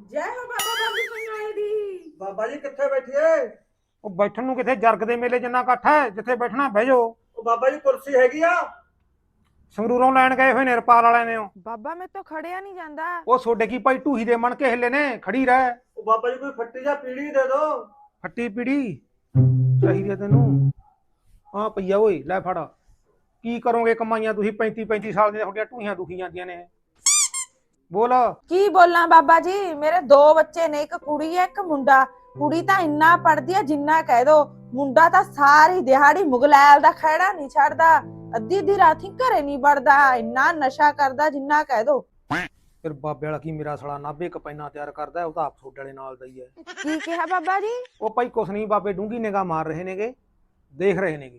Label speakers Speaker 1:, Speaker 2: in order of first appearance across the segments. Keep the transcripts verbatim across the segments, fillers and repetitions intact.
Speaker 1: ਜੈ ਹੋ ਬਾਬਾ ਬੰਦ ਸਿੰਘ ਆਏ ਦੀ।
Speaker 2: ਬਾਬਾ ਜੀ ਕਿੱਥੇ ਬੈਠੀਏ?
Speaker 3: ਉਹ ਬੈਠਣ ਨੂੰ ਕਿਥੇ ਜਰਗ ਦੇ ਮੇਲੇ ਜਿੰਨਾ ਇਕੱਠ ਹੈ, ਜਿੱਥੇ ਬੈਠਣਾ ਬਹਿ ਜਾਓ।
Speaker 2: ਉਹ ਬਾਬਾ ਜੀ ਕੁਰਸੀ ਹੈਗੀ ਆ?
Speaker 3: ਸੰਗਰੂਰੋਂ ਲੈਣ ਗਏ ਹੋਏ ਨੇ ਰਪਾਲ ਵਾਲਿਆਂ ਨੇ।
Speaker 1: ਬਾਬਾ ਮੈਂ ਤਾਂ ਖੜਿਆ ਨਹੀਂ ਜਾਂਦਾ।
Speaker 3: ਉਹ ਛੋਡੇ ਕੀ ਭਾਈ ਢੂਹੀ ਦੇ ਮਣ ਕੇ ਹਿੱਲੇ ਨੇ, ਖੜੀ ਰਹਿ।
Speaker 2: ਉਹ ਬਾਬਾ ਜੀ ਕੋਈ ਫੱਟੀ ਜਾਂ ਪੀੜੀ ਦੇ ਦੋ।
Speaker 3: ਫੱਟੀ ਪੀੜੀ ਚਾਹੀਦੀ ਆ ਤੈਨੂੰ? ਹਾਂ ਪਈਆ ਓਏ, ਲੈ ਫੜ। ਕੀ ਕਰੋਗੇ ਕਮਾਈਆਂ ਤੁਸੀਂ? ਪੈਂਤੀ ਪੈਂਤੀ ਸਾਲ ਦੀਆਂ ਤੁਹਾਡੀਆਂ ਢੂਹੀਆਂ ਦੁਖੀ ਜਾਂਦੀਆਂ ਨੇ। ਬੋਲ।
Speaker 1: ਕੀ ਬੋਲਾਂ ਬਾਬਾ ਜੀ, ਮੇਰੇ ਦੋ ਬੱਚੇ ਨੇ, ਇੱਕ ਕੁੜੀ ਹੈ ਇੱਕ ਮੁੰਡਾ। ਕੁੜੀ ਤਾਂ ਇੰਨਾ ਪੜਦੀ ਹੈ ਜਿੰਨਾ ਕਹਿ ਦੋ, ਮੁੰਡਾ ਤਾਂ ਸਾਰੀ ਦਿਹਾੜੀ ਮੁਗਲੈਲ ਦਾ ਖਹਿੜਾ ਨਹੀਂ ਛੱਡਦਾ, ਅੱਧੀ ਅੱਧੀ ਰਾਤੀ ਘਰੇ ਨਹੀਂ ਵੜਦਾ, ਇੰਨਾ ਨਸ਼ਾ ਕਰਦਾ ਜਿੰਨਾ ਕਹਿ ਦੋ।
Speaker 3: ਫਿਰ ਬਾਬੇ ਵਾਲਾ ਕੀ ਮੇਰਾ ਸਾਲਾ ਨਾਭੇ ਕਪੈਨਾ ਤਿਆਰ ਕਰਦਾ, ਉਹ ਤਾਂ ਆਪ ਛੋਡੇ ਵਾਲੇ ਨਾਲ ਦਾ ਹੀ ਹੈ।
Speaker 1: ਕੀ ਕਿਹਾ ਬਾਬਾ ਜੀ?
Speaker 3: ਉਹ ਭਾਈ ਕੁਛ ਨਹੀਂ, ਬਾਬੇ ਡੂੰਗੀ ਨਿਗਾਹ ਮਾਰ ਰਹੇ ਨੇਗੇ, ਦੇਖ ਰਹੇ ਨੇਗੇ।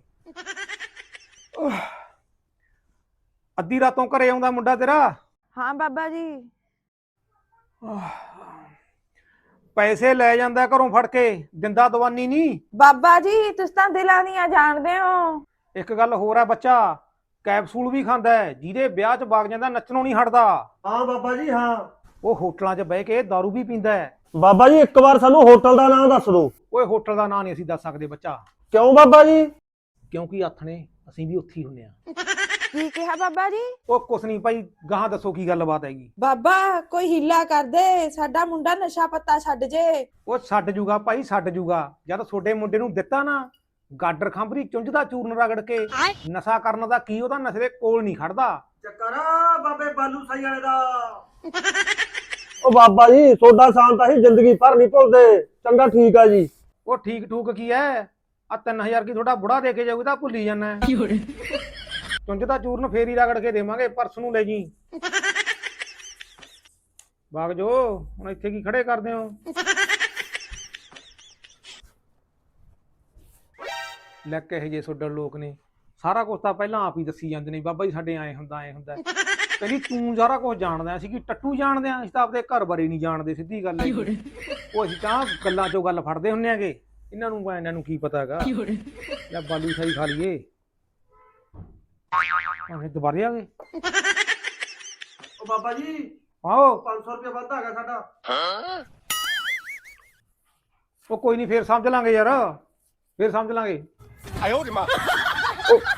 Speaker 3: ਅੱਧੀ ਰਾਤੋਂ ਘਰੇ ਆਉਂਦਾ ਮੁੰਡਾ ਤੇਰਾ?
Speaker 1: ਹਾਂ ਬਾਬਾ ਜੀ।
Speaker 3: ਪੈਸੇ ਲੈ ਜਾਂਦਾ ਘਰੋਂ ਫੜ ਕੇ, ਦਿੰਦਾ ਦਵਾਨੀ ਨਹੀਂ।
Speaker 1: ਬਾਬਾ ਜੀ ਤੁਸੀਂ ਤਾਂ ਦਿਲਾਂ ਦੀਆਂ ਜਾਣਦੇ ਹੋ।
Speaker 3: ਇੱਕ ਗੱਲ ਹੋਰ ਆ, ਬੱਚਾ ਕੈਪਸੂਲ ਵੀ ਖਾਂਦਾ ਹੈ, ਜਿਹਦੇ ਵਿਆਹ 'ਚ ਵਗ ਜਾਂਦਾ ਨੱਚਣੋਂ ਨਹੀਂ ਹਟਦਾ।
Speaker 2: ਹਾਂ ਬਾਬਾ ਜੀ ਹਾਂ।
Speaker 3: ਉਹ ਹੋਟਲਾਂ 'ਚ ਬਹਿ ਕੇ ਦਾਰੂ ਵੀ ਪੀਂਦਾ ਹੈ।
Speaker 2: ਬਾਬਾ ਜੀ ਇੱਕ ਵਾਰ ਸਾਨੂੰ ਹੋਟਲ ਦਾ ਨਾਮ ਦੱਸ ਦਿਓ।
Speaker 3: ਓਏ ਹੋਟਲ ਦਾ ਨਾਂ ਨਹੀਂ ਅਸੀਂ ਦੱਸ ਸਕਦੇ ਬੱਚਾ।
Speaker 2: ਕਿਉਂ ਬਾਬਾ ਜੀ?
Speaker 3: ਕਿਉਂਕਿ ਆਥਣੇ ਅਸੀਂ ਵੀ ਉੱਥੇ ਹੀ ਹੁੰਨੇ ਆ।
Speaker 1: ਕੀ ਕਿਹਾ ਬਾਬਾ ਜੀ?
Speaker 3: ਉਹ ਕੁਛ ਨਹੀਂ ਭਾਈ, ਗਾਹਾਂ ਦੱਸੋ ਕੀ ਗੱਲਬਾਤ ਹੈਗੀ।
Speaker 1: ਬਾਬਾ ਕੋਈ ਹੀਲਾ ਕਰ ਦੇ, ਸਾਡਾ ਮੁੰਡਾ ਨਸ਼ਾ ਪੱਤਾ ਛੱਡ ਜੇ।
Speaker 3: ਉਹ ਛੱਡ ਜੂਗਾ ਭਾਈ, ਛੱਡ ਜੂਗਾ। ਜਦ ਤੁਹਾਡੇ ਮੁੰਡੇ ਨੂੰ ਦਿੱਤਾ ਨਾ ਗਾਡਰ ਖੰਭਰੀ ਚੁੰਝ ਦਾ ਚੂਰਨ ਰਗੜ ਕੇ, ਨਸ਼ਾ ਕਰਨ ਦਾ ਕੀ ਉਹਦਾ ਨਸ਼ੇ ਦੇ ਕੋਲ ਨਹੀਂ ਖੜਦਾ।
Speaker 2: ਚੱਕਰ ਬਾਬੇ ਬਾਲੂ ਸਾਈ ਵਾਲੇ ਦਾ। ਉਹ ਬਾਬਾ ਜੀ ਤੁਹਾਡਾ ਸਾਨ ਤਾਂ ਹੀ ਜ਼ਿੰਦਗੀ ਭਰ ਨਹੀਂ ਭੁੱਲਦੇ। ਚੰਗਾ ਠੀਕ ਆ ਜੀ।
Speaker 3: ਉਹ ਠੀਕ ਠੂਕ ਕੀ ਹੈ, ਆ ਤਿੰਨ ਹਜ਼ਾਰ ਕੀ ਤੁਹਾਡਾ ਬੁੜਾ ਦੇ ਕੇ ਜਾਊਗਾ ਤਾਂ ਭੁੱਲੀ ਜਾਣਾ। ਚੁੰਝ ਦਾ ਚੂਰਨ ਫੇਰ ਹੀ ਰਗੜ ਕੇ ਦੇਵਾਂਗੇ, ਪਰਸ ਨੂੰ ਲੈ ਜੀ। ਬਾਗ ਜੋ ਹੁਣ ਇੱਥੇ ਕੀ ਖੜੇ ਕਰਦੇ ਹੋ? ਲੈ ਕੇ ਜੇ ਸੋਡਲ ਲੋਕ ਨੇ, ਸਾਰਾ ਕੁਝ ਤਾਂ ਪਹਿਲਾਂ ਆਪ ਹੀ ਦੱਸੀ ਜਾਂਦੇ ਨੇ। ਬਾਬਾ ਜੀ ਸਾਡੇ ਆਏ ਹੁੰਦਾ ਐ ਹੁੰਦਾ। ਕਹਿੰਦੀ ਤੂੰ ਸਾਰਾ ਕੁਝ ਜਾਣਦਾ, ਅਸੀਂ ਕੀ ਟੱਟੂ ਜਾਣਦੇ ਆ? ਅਸੀਂ ਤਾਂ ਆਪਦੇ ਘਰ ਬਾਰੇ ਨਹੀਂ ਜਾਣਦੇ, ਸਿੱਧੀ ਗੱਲ ਹੈ। ਉਹ ਅਸੀਂ ਤਾਂ ਗੱਲਾਂ ਚੋਂ ਗੱਲ ਫੜਦੇ ਹੁੰਨੇ ਆਗੇ, ਇਹਨਾਂ ਨੂੰ ਇਹਨਾਂ ਨੂੰ ਕੀ ਪਤਾ ਹੈਗਾ। ਲੈ ਬਾਲੂ ਸਾਈ ਖਾ ਲਈਏ। ਅਸੀਂ ਦੁਬਾਰੇ ਆ ਗਏ।
Speaker 2: ਉਹ ਬਾਬਾ ਜੀ
Speaker 3: ਆਓ।
Speaker 2: ਪੰਜ ਸੌ ਰੁਪਏ ਵੱਧ ਆ ਗਿਆ ਸਾਡਾ।
Speaker 3: ਉਹ ਕੋਈ ਨਹੀਂ, ਫੇਰ ਸਮਝ ਲਾਂਗੇ ਯਾਰ, ਫੇਰ ਸਮਝ ਲਾਂਗੇ।
Speaker 4: 哎呦我的妈！
Speaker 3: ਉਹ